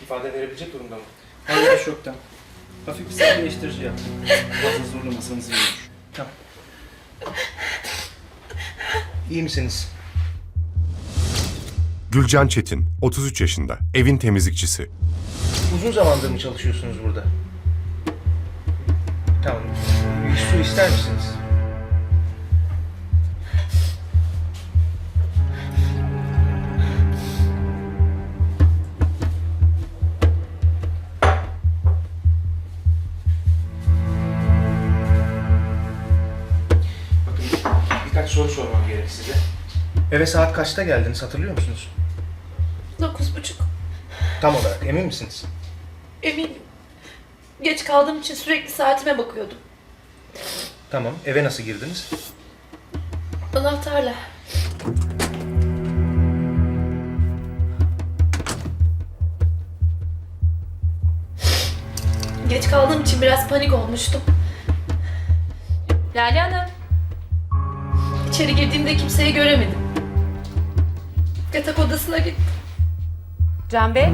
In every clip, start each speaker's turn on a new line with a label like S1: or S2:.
S1: ifade verebilecek durumda mı?
S2: Hayır, şoktan. Hafif bir sakinleştirici yap. Fazla zorlamasanız iyi olur.
S1: Tamam. İyi misiniz?
S3: Gülcan Çetin, 33 yaşında, evin temizlikçisi.
S1: Uzun zamandır mı çalışıyorsunuz burada? Tamam. Bir su ister misiniz? Bakın birkaç soru sormam gerek size. Eve saat kaçta geldiniz hatırlıyor musunuz?
S4: 9:30.
S1: Tam olarak emin misiniz?
S4: Eminim. Geç kaldığım için sürekli saatime bakıyordum.
S1: Tamam. Eve nasıl girdiniz?
S4: Anahtarla. Geç kaldığım için biraz panik olmuştum. Lale Hanım. İçeri girdiğimde kimseyi göremedim. Yatak odasına gittim.
S5: Can Bey?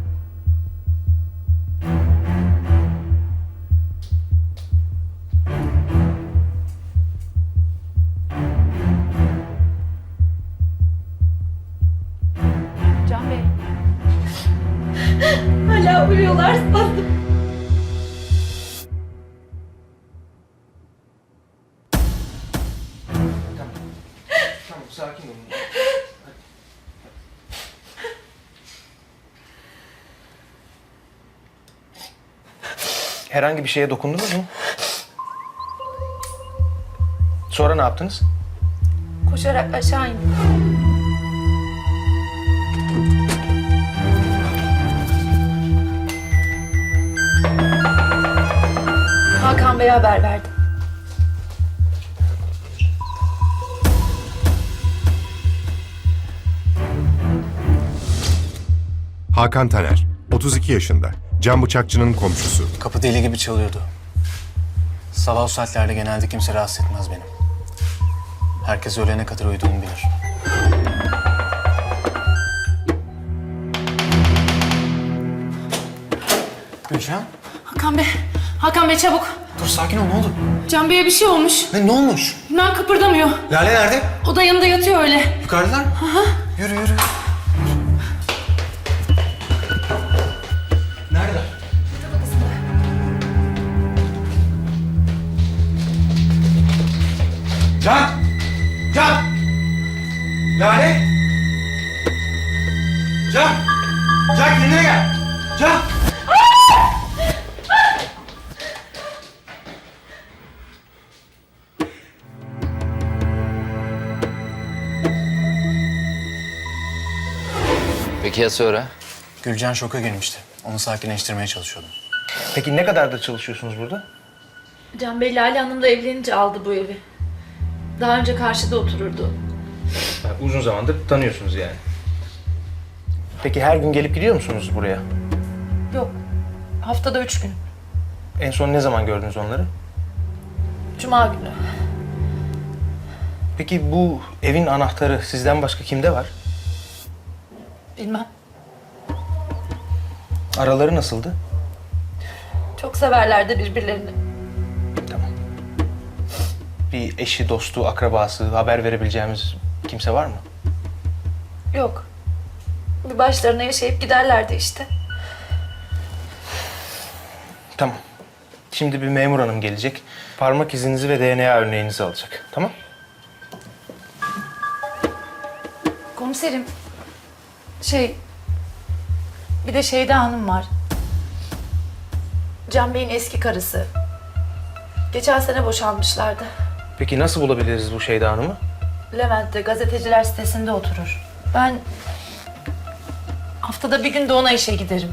S5: Can Bey?
S4: Hala uyuyorlar sandım.
S1: Tamam. Tamam, sakin olun. Herhangi bir şeye dokundunuz mu? Sonra ne yaptınız?
S4: Koşarak aşağı indim. Hakan Bey'e haber verdim.
S3: Hakan Taner, 32 yaşında, Can Bıçakçı'nın komşusu.
S6: Kapı deli gibi çalıyordu. Sabah o saatlerde genelde kimse rahatsız etmez benim. Herkes öğlene kadar uyuduğumu bilir. Gülcan,
S4: Hakan Bey çabuk.
S6: dur sakin ol, ne oldu?
S4: Can Bey'e bir şey olmuş.
S6: Ne olmuş?
S4: Ben kıpırdamıyor.
S6: Lale nerede?
S4: O da yanında yatıyor öyle.
S6: Yukarıdalar mı? Yürü, yürü. Nerede? Can! Can! Lale! Can! Can kendine gel! Can!
S7: Peki ya sonra?
S6: Gülcan şoka girmişti. Onu sakinleştirmeye çalışıyordum.
S1: Peki ne kadardır çalışıyorsunuz burada?
S4: Can Bey Lale Hanım'la evlenince aldı bu evi. Daha önce karşıda otururdu.
S1: Uzun zamandır tanıyorsunuz yani. Peki her gün gelip gidiyor musunuz buraya?
S4: Yok. Haftada 3 gün.
S1: En son ne zaman gördünüz onları?
S4: Cuma günü.
S1: Peki bu evin anahtarı sizden başka kimde var?
S4: Bilmem.
S1: Araları nasıldı?
S4: Çok severlerdi birbirlerini.
S1: Tamam. Bir eşi, dostu, akrabası, haber verebileceğimiz kimse var mı?
S4: Yok. Bir başlarına yaşayıp giderlerdi işte.
S1: Tamam. Şimdi bir memur hanım gelecek. Parmak izinizi ve DNA örneğinizi alacak. Tamam?
S5: Komiserim. Bir de Şeyda Hanım var.
S4: Can Bey'in eski karısı. Geçen sene boşanmışlardı.
S1: Peki nasıl bulabiliriz bu Şeyda Hanım'ı?
S5: Levent'te gazeteciler sitesinde oturur. Ben haftada bir gün de ona işe giderim.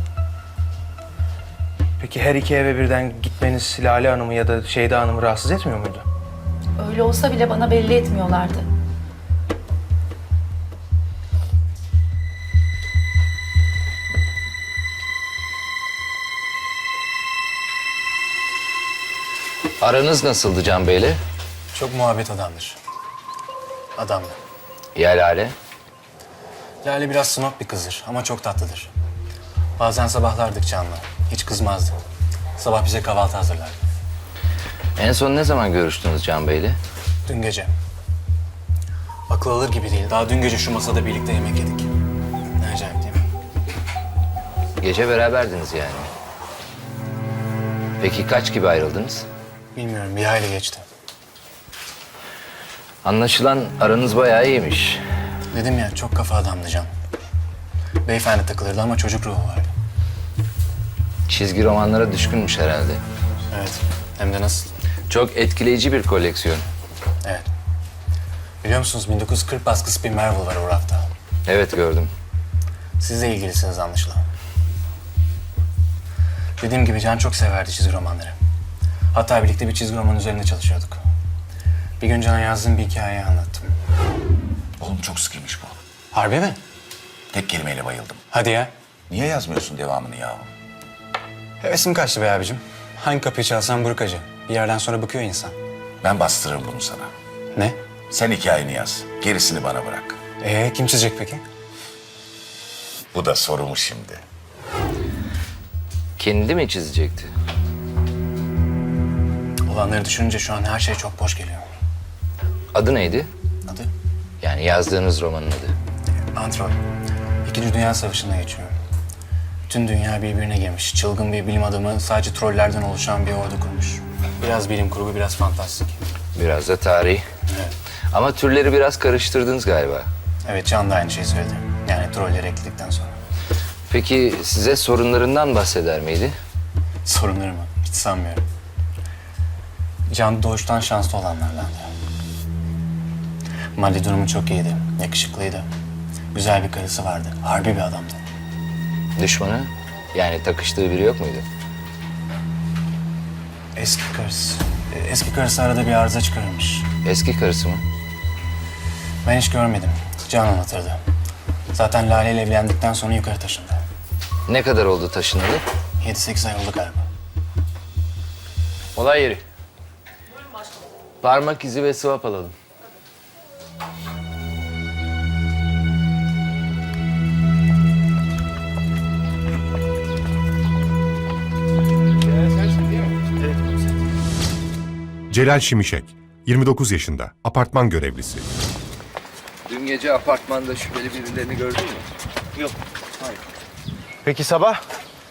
S1: Peki her iki eve birden gitmeniz Lale Hanım'ı ya da Şeyda Hanım'ı rahatsız etmiyor muydu?
S5: Öyle olsa bile bana belli etmiyorlardı.
S7: Aranız nasıldı Can Bey'le?
S6: Çok muhabbet adamdır. Adamdı.
S7: Ya Lale?
S6: Lale biraz snob bir kızdır ama çok tatlıdır. Bazen sabahlardık Can'la. Hiç kızmazdı. Sabah bize kahvaltı hazırlardı.
S7: En son ne zaman görüştünüz Can Bey'le?
S6: Dün gece. Akıl alır gibi değil. Daha dün gece şu masada birlikte yemek yedik. Ne acayip değil mi?
S7: Gece beraberdiniz yani. Peki kaç gibi ayrıldınız?
S6: Bilmiyorum, bir aile geçti.
S7: Anlaşılan aranız bayağı iyiymiş.
S6: Dedim ya, çok kafa adamdı Can. Beyefendi takılırdı ama çocuk ruhu vardı.
S7: Çizgi romanlara düşkünmüş herhalde.
S6: Evet, hem de nasıl?
S7: Çok etkileyici bir koleksiyon.
S6: Evet. Biliyor musunuz 1940 baskısı bir Marvel var o rafta.
S7: Evet gördüm.
S6: Siz de ilgilisiniz anlaşılan. Dediğim gibi Can çok severdi çizgi romanları. Hatta birlikte bir çizgi roman üzerinde çalışıyorduk. Bir gün Can'a yazdığım bir hikayeyi anlattım.
S8: Oğlum çok sıkıymış bu.
S6: Harbi mi?
S8: Tek kelimeyle bayıldım.
S6: Hadi ya.
S8: Niye yazmıyorsun devamını yahu?
S6: Hevesim kaçtı be abicim. Hangi kapıyı çalsam buruk acı. Bir yerden sonra bıkıyor insan.
S8: Ben bastırırım bunu sana.
S6: Ne?
S8: Sen hikayeni yaz. Gerisini bana bırak.
S6: Kim çizecek peki?
S8: Bu da soru mu şimdi?
S7: Kendi mi çizecekti?
S6: Olanları düşününce şu an her şey çok boş geliyor.
S7: Adı neydi?
S6: Adı?
S7: Yani yazdığınız romanın adı.
S6: Antrol. İkinci Dünya Savaşı'nda geçiyor. Tüm dünya birbirine girmiş. Çılgın bir bilim adamı sadece trollerden oluşan bir ordu kurmuş. Biraz bilim kurgu, biraz fantastik.
S7: Biraz da tarih.
S6: Evet.
S7: Ama türleri biraz karıştırdınız galiba.
S6: Evet, Can da aynı şeyi söyledi. Yani trolleri ekledikten sonra.
S7: Peki size sorunlarından bahseder miydi?
S6: Sorunları mı? Hiç sanmıyorum. Can doğuştan şanslı olanlardandı. Maddi durumu çok iyiydi. Yakışıklıydı. Güzel bir karısı vardı. Harbi bir adamdı.
S7: Düşmanı? Yani takıştığı biri yok muydu?
S6: Eski karısı. Eski karısı arada bir arıza çıkarmış.
S7: Eski karısı mı?
S6: Ben hiç görmedim. Can anlatırdı. Zaten Lale ile evlendikten sonra yukarı taşındı.
S7: Ne kadar oldu taşınalı?
S6: 7-8 ay oldu galiba.
S7: Olay yeri. Parmak izi ve swap alalım.
S3: Celal Şimişek, 29 yaşında, apartman görevlisi.
S7: Dün gece apartmanda şüpheli birilerini gördün mü?
S1: Peki sabah?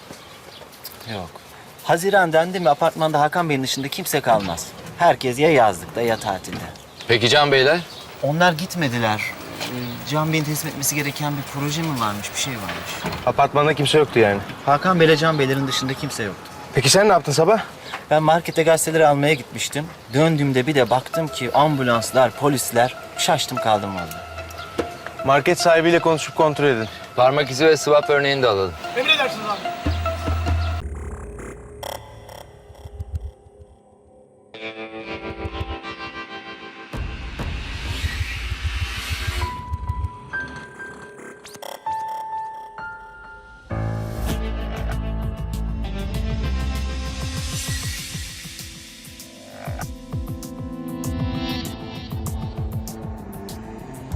S9: Haziran dendi mi apartmanda Hakan Bey'in dışında kimse kalmaz. Herkes ya yazlıkta ya tatilde.
S7: Peki Can Beyler?
S9: Onlar gitmediler. Can Bey'in teslim etmesi gereken bir proje mi varmış, bir şey varmış.
S1: Apartmanda kimse yoktu yani.
S9: Hakan Bey'le Can Bey'lerin dışında kimse yoktu.
S1: Peki sen ne yaptın sabah?
S9: Ben markete gazeteleri almaya gitmiştim. Döndüğümde bir de baktım ki ambulanslar, polisler, şaştım kaldım vallahi.
S1: Market sahibiyle konuşup kontrol edin.
S7: Parmak izi ve swap örneğini de alalım.
S2: Emredersiniz abi.